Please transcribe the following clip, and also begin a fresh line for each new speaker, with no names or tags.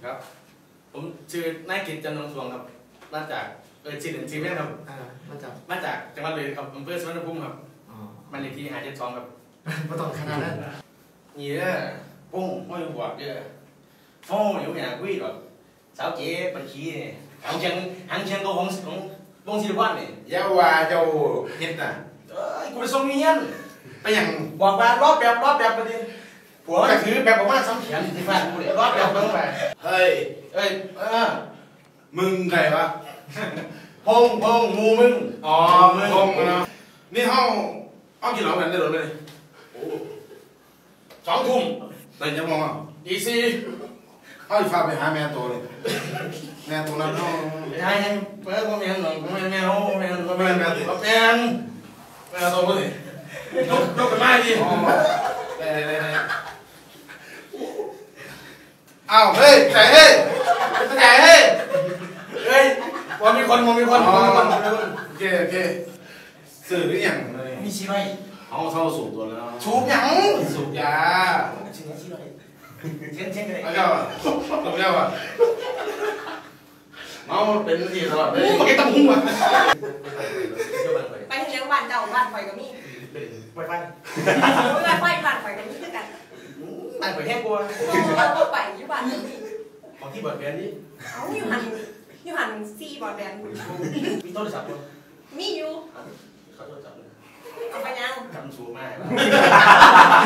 ครับผมชื่อนายกิตจันทร์สวงครับมาจากชื่อแม่ครับมาจากจังหวัดเลยครับอำเภอสุวรรณภูมิครับบ้านเลขที่572ครับ
ไม่ต้องขนาดนั้น
นี่เด้อปุ้งไม่บวกเด้อฟ้องอยู่อย่างกุ้ยหรอกสาวเก๋บัญชีนี่หางเชียงก็ของวงศิลปะนี่
ยาว่าเจ้าเฮ็ดน่ะ
กูไปส่งเมียน
ไปอย่าง
บอกว่ารอบแบบประเด็นผัวมันถือแบบประมาณ3 เขียนที่บ้านกูเลยรอบแบบเบิ่งไป
เฮ้ยมึงใครวะ
พงงูมึง
อ๋อพงนี่ห้องกินเหล้ากันได้หรือไม่
2 ทุ่ม
แต่ยังมองอ่ะ
ดีซี
เขาจะพาไปหาแม่ตัวเลยแม่ตัวนั้นเขา
ใช่เปิดก็แม่หน่อยแม่ตัวเลยยกกันมาดิ
อ้าวเฮ้ยใส่เฮ้ย
ว่ามีคนโอเค
สื่อหรือยัง
มีชีไว้
เขาเท่าสูบตัวแล้ว
สูบยัง
สูบยา
ชีไว้เช่นเลย
เอาเจ้าตัวเจ้าอ่ะเมาเป็นที่ตลอดเลย
มันก็ต้องหุ้มอ่ะ
ไปที่เลี้ยงบ้านเจ้าบ้านไฟก็มี
ไฟบ้าน
ไฟบ้านไฟก็มีคือกัน
บ้านไฟแห้งกลัว
เราไปอยู่บ้านนี้
ของที่บอดแบนนี่
เอาอยู่หันซีบอดแบน
มีโทรศัพท์มั้ย
มีอยู่
เขาโทรศัพท์
เอาไปยัง
จำสูงมาก